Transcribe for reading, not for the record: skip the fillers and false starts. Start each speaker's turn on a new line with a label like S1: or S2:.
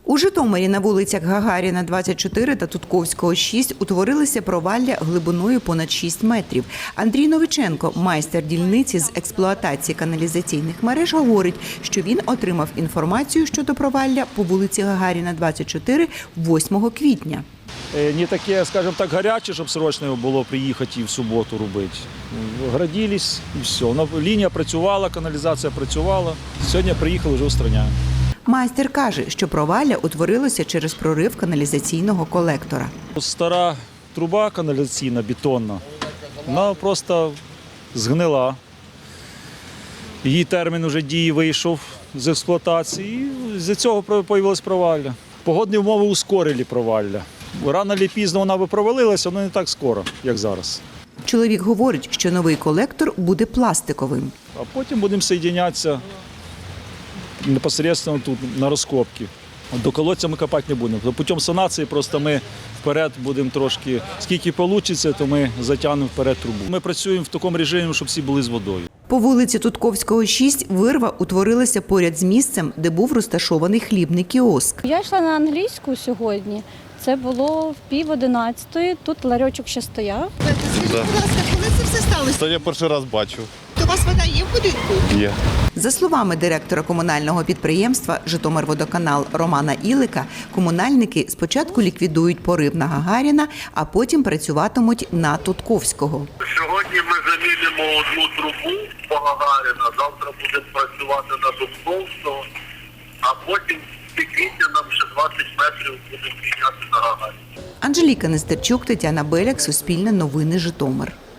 S1: У Житомирі на вулицях Гагаріна, 24 та Тутковського, 6 утворилися провалля глибиною понад 6 метрів. Андрій Новиченко, майстер дільниці з експлуатації каналізаційних мереж, говорить, що він отримав інформацію щодо провалля по вулиці Гагаріна, 24, 8 квітня.
S2: Не таке, скажімо так, гаряче, щоб срочно було приїхати і в суботу робити. Градились і все. Лінія працювала, каналізація працювала. Сьогодні приїхали, вже устраняємо.
S1: Майстер каже, що провалля утворилося через прорив каналізаційного колектора.
S2: Стара труба каналізаційна, бетонна, вона просто згнила. Її термін вже дії вийшов з експлуатації, і з-за цього з'явилось провалля. Погодні умови ускорили провалля. Рано чи пізно вона би провалилася, але не так скоро, як зараз.
S1: Чоловік говорить, що новий колектор буде пластиковим.
S2: А потім будемо соєдинятися непосередньо тут на розкопки. До колодця ми копати не будемо. Путем санації просто ми вперед будемо трошки, скільки вийде, то ми затягнемо вперед трубу. Ми працюємо в такому режимі, щоб всі були з водою.
S1: По вулиці Тутковського, 6 вирва утворилася поряд з місцем, де був розташований хлібний кіоск.
S3: Я йшла на англійську сьогодні. Це було в 10:30, тут ларьочок ще стояв.
S4: Скажіть, будь ласка, коли це все сталося?
S5: Це я перший раз бачу.
S4: То у вас вода є в будинку?
S5: Є.
S1: За словами директора комунального підприємства «Житомирводоканал» Романа Ілика, комунальники спочатку ліквідують порив на Гагаріна, а потім працюватимуть на Тутковського.
S6: Сьогодні ми замінимо одну трубу по Гагаріна, завтра будемо працювати на Тутковського, а потім в квітня нам ще 20 метрів будемо міняти на Гагаріна.
S1: Анжеліка Нестерчук, Тетяна Беляк, Суспільне новини, Житомир.